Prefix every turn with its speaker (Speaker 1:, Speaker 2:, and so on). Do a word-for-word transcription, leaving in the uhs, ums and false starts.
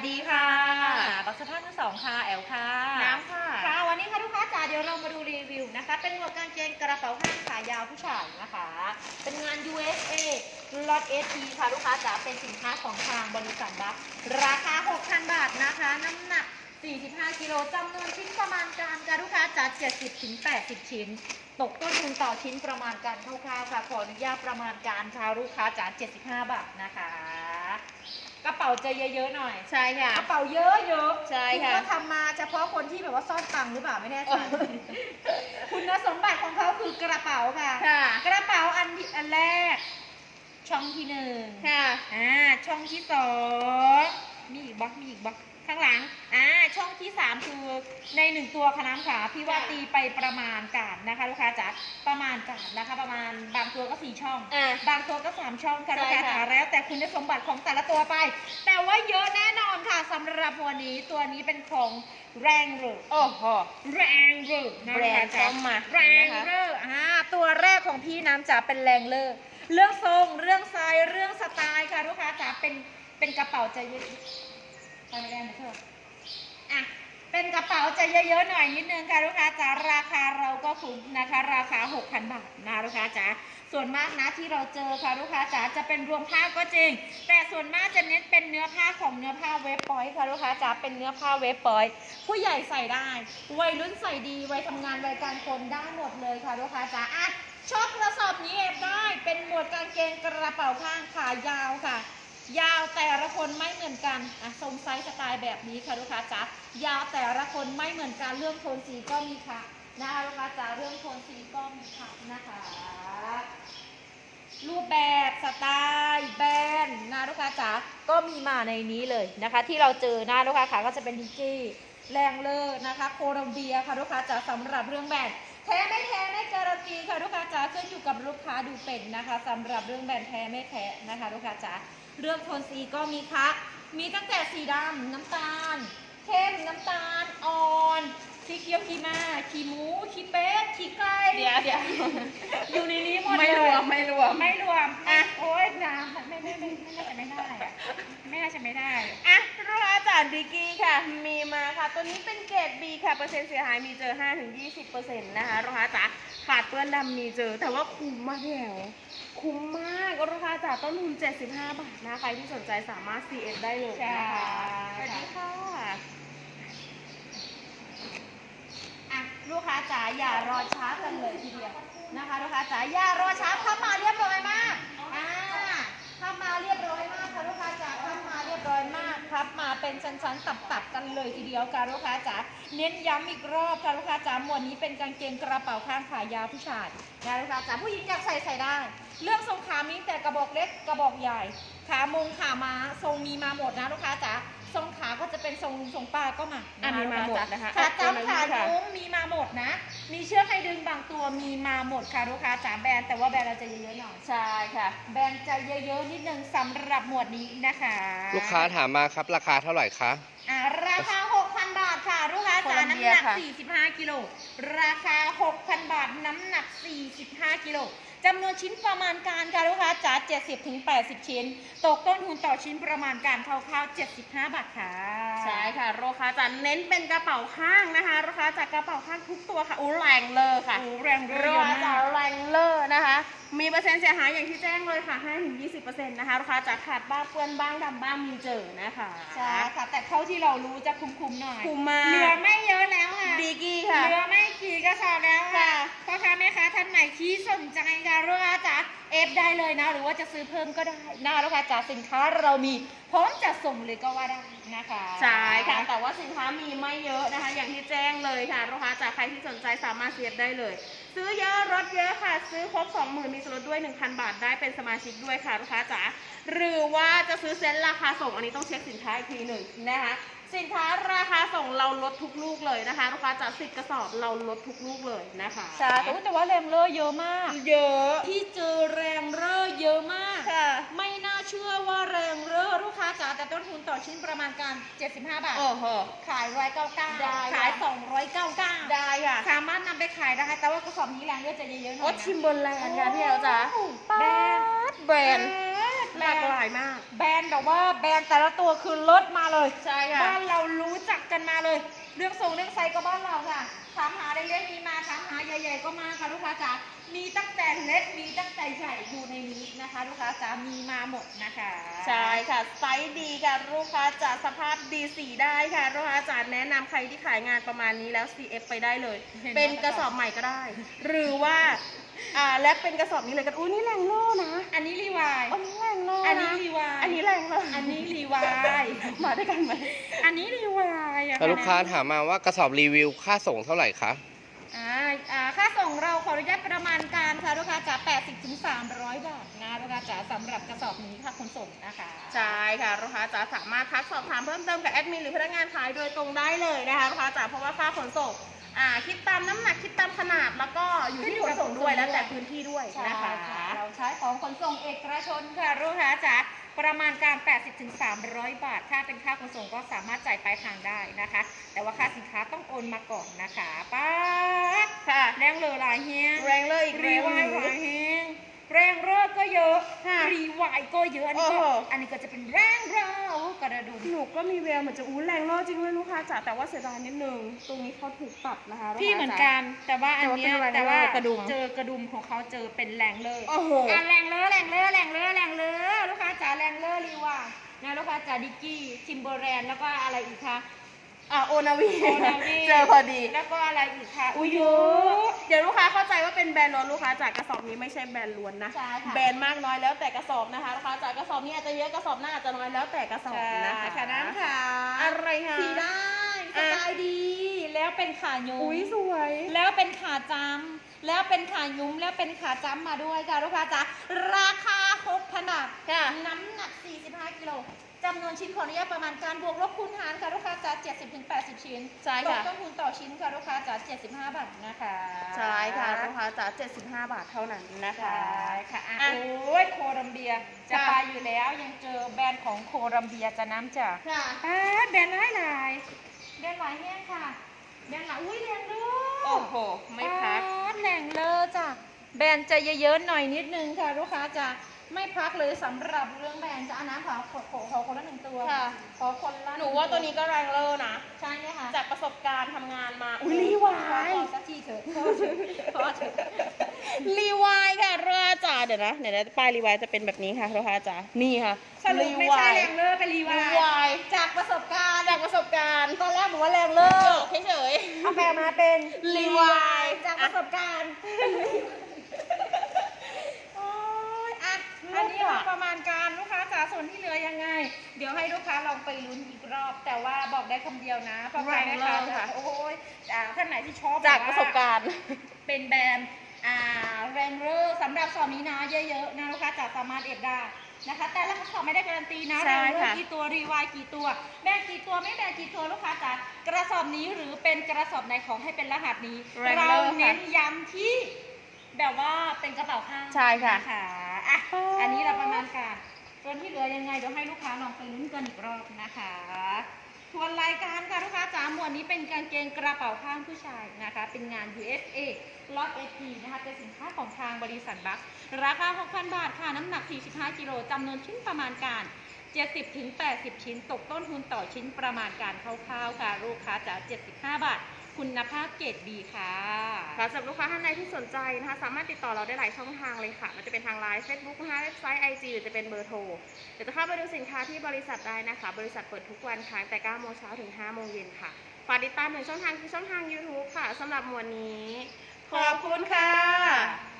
Speaker 1: ดีค่ะบักสะพานมือสองค่ะแอลค่ะ
Speaker 2: น้ำค่ะ
Speaker 1: ค่ะวันนี้ค่ะลูกค้าจ๋าเดี๋ยวเรามาดูรีวิวนะคะเป็นหมวกกางเกงกระเป๋าผ้าขายาวผู้ชายนะคะเป็นงาน ยู เอส เอ ล็อต เอส ที ค่ะลูกค้าจ๋าเป็นสินค้าของทางบริษัทบัคราคา หกพัน บาทนะคะน้ำหนักสี่สิบห้ากิโลจำนวนชิ้นประมาณการค่ะลูกค้าจ๋าเจ็ดสิบถึงแปดสิบชิ้นตกต้นทุนต่อชิ้นประมาณการคร่าวๆค่ะขออนุญาตประมาณการค่ะลูกค้าจ๋าเจ็ดสิบห้าบาทนะคะกระเป๋าจะเยอะๆหน่อย
Speaker 2: ใช่ค่ะ
Speaker 1: กระเป๋าเยอะเยอะ
Speaker 2: ใช่ค่ะ
Speaker 1: คุณก็ทำมาเฉพาะคนที่แบบว่าซ่อนตังค์หรือเปล่าไม่แน่ใจคุณสมบัติของเขาคือกระเป๋าค่ะกระเป๋าอันอันแรกช่องที่หนึ่ง
Speaker 2: ค่ะ
Speaker 1: อ่าช่องที่สองมีอีกบล็อกมีอีกบล็อกข้างหลังอ่าช่องที่สามคือในหนึ่งตัวคณะขาพี่ว่าตีไปประมาณการนะคะลูกค้าจ๋าประมาณการนะคะประมาณบางตัวก็สี่ช่องบางตัวก็สามช่องค่ะลูกค้าจ๋าแล้วแต่คุณสมบัติของแต่ละตัวไปแต่ว่าเยอะแน่นอนค่ะสำหรับวันนี้ตัวนี้เป็นของแรงเรอ
Speaker 2: โอ้โห
Speaker 1: แรงเรอ
Speaker 2: แบรนด์เข้ามา
Speaker 1: แรงเรออ่าตัวแรกของพี่น้ำจ๋าเป็นแรงเลอเรื่องทรงเรื่องไซส์เรื่องสไตล์ค่ะลูกค้าจ๋าเป็นเป็นกระเป๋าใจเย็นไปไม่ได้นะเธออ่ะเป็นกระเป๋าจะเยอะๆหน่อยนิดนึงค่ะลูกค้าจ๋าราคาเราก็คุ้มนะคะราคา หกพัน บาทนะลูกค้าจ๋าส่วนมากนะที่เราเจอค่ะลูกค้าจ๋าจะเป็นรวมผ้าก็จริงแต่ส่วนมากจะเน้นเป็นเนื้อผ้าของเนื้อผ้าเวฟปอยค่ะลูกค้าจ๋าเป็นเนื้อผ้าเวฟปอยผู้ใหญ่ใส่ได้วัยรุ่นใส่ดีวัยทำงานวัยกลางคนได้หมดเลยค่ะลูกค้าจ๋าอ่ะชอบกระสอบนี้เอฟได้เป็นหมวดกางเกงกระเป๋าข้างขายาวค่ะยาวแต่ละคนไม่เหมือนกันอ่ะทรงไซส์สไตล์แบบนี้ค่ะลูกค้าจ๋ายาวแต่ละคนไม่เหมือนกันเรื่องโทนสีก็มีค่ะนะคะลูกค้าจ๋าเรื่องโทนสีก็มีค่ะนะคะรูปแบบสไตล์แบรนด์นะลูกค้าจ๋าก็มีมาในนี้เลยนะคะที่เราเจอนะลูกค้าขาก็จะเป็นดิจี้แรงเลอร์นะคะโคลัมเบียค่ะลูกค้าจ๋าสำหรับเรื่องแบรนด์แท้ไม่แท้ไม่การันตีค่ะลูกค้าจ๋าขึ้นอยู่กับลูกค้าดูเป็นนะคะสำหรับเรื่องแบรนด์แท้ไม่แท้นะคะลูกค้าจ๋าเรื่องโทนสีก็มีค่ะมีตั้งแต่สีดำน้ำตาลเข้มน้ำตาลอ่อนสีเขียวขีมาขีหมูขีเป็ดขีไก่
Speaker 2: เดี๋ยวเดี๋ยว
Speaker 1: อยู่ในนี้หมดเลย
Speaker 2: ไม่รวมไม่รวม
Speaker 1: ไม่รวมอ่ะโอ๊ยน้ำไม่ไม่ไม่ไม่น่าจะไม่ได้ไม่น่าจะไม่ได้
Speaker 2: อ่ะลูกค้าจ๋าดิกี้ค่ะมีมาค่ะตัวนี้เป็นเกรด B ค่ะเปอร์เซ็นต์เสียหายมีเจอ ห้าถึงยี่สิบเปอร์เซ็นต์ นะคะลูกค้าจ๋าขาดเปื้อนดำมีเจอแต่ว่าคุ้มมากแถวคุ้มมากลูกค้าจ๋าต้นทุนเจ็ดสิบห้าบาทนะใครที่สนใจสามารถ ซี เอฟ ได้เลยนะคะสวัสดีค่ะ
Speaker 1: ลูกค้าจ๋าอย่ารอช้ากันเลยทีเดียวนะคะลูกค้าจ๋าอย่ารอช้าเข้ามาเรียบร้อยมากอ่าเข้ามาเรียบร้อยมากค่ะลูกค้าจ๋าเข้ามาเรียบร้อยมากครับมาเป็นชั้นๆตับๆกันเลยทีเดียวค่ะลูกค้าจ๋าเน้นย้ำอีกรอบค่ะลูกค้าจ๋าหมวดนี้เป็นกางเกงกระเป๋าข้างขายาวผู้ชายนะลูกค้าจ๋าผู้หญิงอยากใส่ใส่ได้เรื่องทรงขามีแต่กระบอกเล็กกระบอกใหญ่ขามงขาม้าทรงมีมาหมดนะลูกค้าจ๋าทรงขาก็จะเป็นทรงทรงป้าก็มา
Speaker 2: อ่ะมีมาหมดนะคะ
Speaker 1: ขาตั้งขาโค้งมีมาหมดนะมีเชือกให้ดึงบางตัวมีมาหมดค่ะลูกค้าจ๋าแบรนด์แต่ว่าแบรนด์เราจะเยอะๆหน่อย
Speaker 2: ใช่ค่ะ
Speaker 1: แบรนด์จะเยอะๆนิดนึงสำหรับหมวดนี้นะคะ
Speaker 3: ลูกค้าถามมาครับราคาเท่าไหร่คะ
Speaker 1: อ่าราคา หกพัน บาทค่ะลูกค้าจ๋าน้ำหนักสี่สิบห้ากิโลราคา หกพัน บาทน้ำหนักสี่สิบห้ากิโลจำนวนชิ้นประมาณการค่ะลูกค้าจ๋าเจ็ดสิบถึงแปดสิบชิ้นตกต้นทุนต่อชิ้นประมาณการคร่าวๆเจ็ดสิบห้าบาทค่ะ
Speaker 2: ใช่ค่ะลูกค้าจ๋าเน้นเป็นกระเป๋าข้างนะคะลูกค้าจ๋ากระเป๋าข้างทุกตัวค่ะอู้แรงเลยค่ะ
Speaker 1: อู้แรงเลย
Speaker 2: ลูกค้าจ๋าแรงเลยนะคะมีเปอร์เซ็นต์เสียหายอย่างที่แจ้งเลยค่ะ ห้าถึงยี่สิบเปอร์เซ็นต์ นะคะลูกค้าจ๋าขาดบ้างเปื้อนบ้างดำบ้างมีเจอนะคะ
Speaker 1: ใช่ค่ะแต่เท่าที่เรารู้จะคุ้มๆหน่อย
Speaker 2: คุ้มมาก
Speaker 1: เหลือไม่เยอะแล้วค่ะ
Speaker 2: ดีกี้ค่ะ
Speaker 1: เหลือไม่กี่กระสอบแล้วค่ะพ่อค้าแม่ค้าท่านไหนที่สนใจค่ะลูกค้าจ๋าเอฟได้เลยนะหรือว่าจะซื้อเพิ่มก็ได้นะลูกค้าจ๋าสินค้าเรามีพร้อมจะส่งเลยก็ว่าได้นะคะ
Speaker 2: ใช่ค่ะแต่ว่าสินค้ามีไม่เยอะนะคะอย่างที่แจ้งเลยค่ะลูกค้าจ๋าใครที่สนใจสามารถเสียบได้เลยซื้อเยอะลดเยอะค่ะซื้อครบ สองหมื่น มีส่วนลดด้วย หนึ่งพัน บาทได้เป็นสมาชิกด้วยค่ะลูกค้าจ๋าหรือว่าจะซื้อเซ็ตราคาส่งอันนี้ต้องเช็คสินค้าอีกทีหนึ่งนะคะสินค้าราคาส่งเราลดทุกลูกเลยนะคะลูกค้าจ๋าสิบกระสอบเราลดทุกลูกเลยนะคะ
Speaker 1: ใช่แต่ว่าแรงเลอเยอะมาก
Speaker 2: เยอะ
Speaker 1: ที่เจอแรงเลอเยอะมาก
Speaker 2: ค่ะ
Speaker 1: ไม่น่าเชื่อว่าแรงเลอลูกค้าจ๋าแต่ต้นทุนต่อชิ้นประมาณการเจ็ดสิบห้าบาท
Speaker 2: โอ้โห
Speaker 1: ขายหนึ่งร้อยเก้าสิบเก้า
Speaker 2: ได้
Speaker 1: ขายสองร้อยเก้าสิบเก้า
Speaker 2: ได้ค่ะ
Speaker 1: สามารถนำไปขายได้แต่ว่ากระสอบนี้แรงเลอจะเยอะๆหน่อยนะ
Speaker 2: โอ้ชิมบนแรงค่ะพี่เอลจ๋า
Speaker 1: แบรนด์
Speaker 2: แบรนด์หลากหลายมาก
Speaker 1: แบรนด์แบบว่าแบรนด์แต่ละตัวคือลดมาเลย
Speaker 2: ใช่ค่ะ
Speaker 1: บ้านเรารู้จักกันมาเลย เรื่องทรงเรื่องไซส์ก็บ้านเราค่ะถามหาเล็กๆมีมาถามหาใหญ่ๆก็มาค่ะลูกค้าจ๋ามีตั้งแต่เล็กมีตั้งแต่ใหญ่อยู่ในนี้นะคะลูกค้าจ๋ามีมาหมดนะคะ
Speaker 2: ใช่ค่ะไซส์ดีค่ะลูกค้าจ๋าสภาพดีสีได้ค่ะลูกค้าจ๋าแนะนำใครที่ขายงานประมาณนี้แล้ว ซี เอฟ ไปได้เลย เป็นกระสอบใหม่ก็ได้ หรือว่าอ่าและเป็นกระสอบนี้เลยกันอุ้ยนี่แรงโล่นะ
Speaker 1: อันนี้รีวาย
Speaker 2: อันนี้แรงโล่
Speaker 1: อันนี้
Speaker 2: นะ
Speaker 1: รีวาย
Speaker 2: อันนี้แรงเลย
Speaker 1: อันนี้รีวาย
Speaker 2: มาด้วยกันไหม
Speaker 1: อันนี้รีวายอะ
Speaker 3: แล้วลูกค้าถามมาว่ากระสอบรีวิวค่าส่งเท่าไหร่คะ
Speaker 1: อ่าอ่าค่าส่งเราขออนุญาตประมาณการค่ะลูกค้าจ๋าแปดสิบถึงสามร้อยบาทนะลูกค้าจ๋าสำหรับกระสอบนี้ค่ะขนส่งนะคะ
Speaker 2: ใช่ค่ะลูกค้าจ๋าสามารถทักสอบถามเพิ่มเติมกับแอดมินหรือพนักงานขายโดยตรงได้เลยนะคะลูกค้าจ๋าเพราะว่าค่าขนส่งอ่าคิดตามน้ำหนักคิดตามขนาดแล้วก็อยู่ที่ขนส่งด้วยแล้วแต่พื้นที่ด้วย
Speaker 1: ใช่
Speaker 2: นะคะ
Speaker 1: ค่ะเราใช้ของขนส่งเอกชนค่ะลูกค้าจ๋าประมาณการ แปดสิบถึงสามร้อยบาท ถ้าเป็นค่าขนส่งก็สามารถจ่ายปลายทางได้นะคะ แต่ว่าค่าสินค้าต้องโอนมาก่อนนะคะป้าด
Speaker 2: ค่ะ
Speaker 1: แรงเลอหลายแฮง
Speaker 2: แรงเลยอีก
Speaker 1: รี
Speaker 2: แรง
Speaker 1: วาย
Speaker 2: ห
Speaker 1: ห
Speaker 2: นึ่ง
Speaker 1: ลายแฮงแรงเลิศก็เยอะ
Speaker 2: ค่ะ
Speaker 1: รีวายก็เยอะอันนี้ก็
Speaker 2: โอ้โห
Speaker 1: อันนี้ก็จะเป็นแรงเลิศกระดุม
Speaker 2: หนูก็มีแววเหมือนจะอู้แรงโล่จริงด้วยลูกค้าจ๋าแต่ว่าเสียดายนิดนึงตรงนี้เขาถูกปรับนะคะลูค้า
Speaker 1: พี่เหมือนกันแต่ว่าอันเนี้ย
Speaker 2: แต่
Speaker 1: แต่
Speaker 2: ว่า
Speaker 1: ว่า
Speaker 2: เป็นแรงเลิศกระดุม
Speaker 1: เจอกระดุมของเขาเจอเป็นแรงเลิศ
Speaker 2: โอ้โห
Speaker 1: อ่ะแรงเลอแรงเลอแรงเลอแรงเลอลูกค้าจ๋าแรงเลอรีว่านะลูกค้าจ๋าดิกกี้ทิมเบอร์แรนแล้วก็อะไรอีกคะ
Speaker 2: อ่ะโอนาวี
Speaker 1: โอนาวี
Speaker 2: เจอพอดี
Speaker 1: แล้วก็อะไรอีกคะ
Speaker 2: อุ้ยเยอะ เดี๋ยวลูกค้าเข้าใจว่าเป็นแบรนด์ล้วนลูกค้าจากกระสอบนี้ไม่ใช่แบรนด์ล้วนนะ
Speaker 1: ใช่ค่ะ
Speaker 2: แบรนด์มากน้อยแล้วแต่กระสอบนะคะลูกค้าจากกระสอบนี้อาจจะเยอะกระสอบหน้าอาจจะน้อยแล้วแต่กระสอบนะคะ
Speaker 1: ค่ะน้ำค่ะ
Speaker 2: อะไรคะ
Speaker 1: สีได้สไตล์ดี แล้วเป็นขายุ้
Speaker 2: อุ้ยสวย
Speaker 1: แล้วเป็นขาจำแล้วเป็นขายุ้มแล้วเป็นขาจำมาด้วยค่ะลูกค้าจ๋าราคาหกพันบาท
Speaker 2: ค่ะ
Speaker 1: น้ำหนักสี่สิบห้ากิโลจำนวนชิ้นขออนุญาตประมาณการบวกลบคูณหารค่ะลูกค้าจ๋าเจ็ดสิบถึงแปดสิบชิ้น
Speaker 2: ใช่
Speaker 1: ตก
Speaker 2: ค่ะ
Speaker 1: ต้นทุนต่อชิ้นค่ะลูกค้าจ๋าเจ็ดสิบห้าบาทนะคะ
Speaker 2: ใช่ค่ะลูกค้าจ๋าเจ็ดสิบห้าบาทเท่านั้นนะคะ
Speaker 1: ใช่ค่ะอ่ะ
Speaker 2: อ่ะ
Speaker 1: โอ้ยโคลัมเบียจะ
Speaker 2: ค่ะ
Speaker 1: ไปอยู่แล้วยังเจอแบรนด์ของโคลัมเบียจะน้ำจ้ะ
Speaker 2: ค่ะ
Speaker 1: อ่าแบรนด์หลายหลายแบรนด์หลายแห้งค่ะแบรนด์หลายอุ้ยแรงเลอ
Speaker 2: โอ้โหไม่พัก
Speaker 1: อ่าแรงเลอจ้ะแบรนด์จะเยอะๆหน่อยนิดนึงค่ะลูกค้าจะไม่พักเลยสำหรับเรื่องแบรนด์จะเอาน้ำขอขอขอขอคนละหนึ่งตัว
Speaker 2: ค่ะ
Speaker 1: ขอคนละ
Speaker 2: หนูว่าตัวนี้ก็แรงเลอร์นะ
Speaker 1: ใช่ไหมคะ
Speaker 2: จากประสบการณ์ทำงานมา
Speaker 1: อุ้
Speaker 2: อุ้
Speaker 1: ย
Speaker 2: ย
Speaker 1: รี
Speaker 2: รี
Speaker 1: วาว
Speaker 2: าย ย
Speaker 1: ขอสักทีเถอะขอเถอะขอเถอะ
Speaker 2: รีวายค่ะลูกค้าจ๋าเดี๋ยวนะเดี๋ยวนะป้ายรีวายจะเป็นแบบนี้ค่ะลูกค้าจ๋านี่ค่ะ
Speaker 1: สรุปไม่ใช่แรงเลอร์เป็นรีวา
Speaker 2: รี
Speaker 1: ยว
Speaker 2: าย
Speaker 1: จากประสบการณ์
Speaker 2: จากประสบการณ์
Speaker 1: ตอนแรกบอกว่าแรงเลอ
Speaker 2: โจ
Speaker 1: ร์
Speaker 2: กเฉย
Speaker 1: เอาแปลมาเป็น
Speaker 2: รีวาย
Speaker 1: จากประสบการณ์โอ้ยอ่ะอันนี้เราประมาณการลูกค้าจ๋าส่วนที่เหลือยังไง เดี๋ยวให้ลูกค้าลองไปลุ้นอีกรอบ แต่ว่าบอกได้คำเดียวนะเพราะใครนะคะโอ้ยอ่าท่านไหนที่ชอบ
Speaker 2: ๆจากประสบการณ์
Speaker 1: เป็นแบรนด์อ่าแรงเลอร์สำหรับสอบนี้นะเยอะๆนะลูกค้าจ๋าสามารถเอฟได้นะคะ แต่ละกระสอบไม่ได้การันตีนะ
Speaker 2: ใช่
Speaker 1: แรงเลอ
Speaker 2: ค่ะ
Speaker 1: ร์กี่ตัวรีวายกี่ตัวแบกกี่ตัวไม่แบกกี่ตัวลูกค้าจ๋ากระสอบนี้หรือเป็นกระสอบไหนของให้เป็นรหัสนี้
Speaker 2: แรง
Speaker 1: เรา
Speaker 2: เลอร์ค่ะ
Speaker 1: เน้นย้ำที่แบบว่าเป็นกระเป๋าข้าง
Speaker 2: ใช่ค่ะ
Speaker 1: นอ่ะอันนี้เราประมาณการส่วนที่เหลือยังไงเดี๋ยวให้ลูกค้าลองไปลุ้นกันอีกรอบนะคะทวนรายการค่ะลูกค้าจ๋าหมวดนี้เป็นกางเกงกระเป๋าข้างผู้ชายนะคะเป็นงาน ยู เอส เอ ล็อต เอ พี นะคะเป็นสินค้าของทางบริษัทบัคราคา หกพัน บาทค่ะน้ำหนัก สี่สิบห้ากิโลจำนวนชิ้นประมาณการ เจ็ดสิบถึงแปดสิบ ชิ้น ตกต้นทุนต่อชิ้นประมาณการคร่าวๆค่ะลูกค้าจ๋าเจ็ดสิบห้าบาท คุณภาพเกรดดีค่ะ
Speaker 2: ค่ะสำหรับลูกค้าท่านใดที่สนใจนะคะสามารถติดต่อเราได้หลายช่องทางเลยค่ะมันจะเป็นทางไลน์เฟซบุ๊กนะคะเว็บไซต์ ไอ จี หรือจะเป็นเบอร์โทรเดี๋ยวจะเข้าไปดูสินค้าที่บริษัทได้นะคะ บริษัทเปิดทุกวันค่ะตั้งแต่เก้าโมงเช้าถึงห้าโมงเย็นค่ะฝากติดตามหนึ่งช่องทางคือช่องทาง ยูทูบ ค่ะสำหรับหมวดนี้ ขอบคุณค่ะ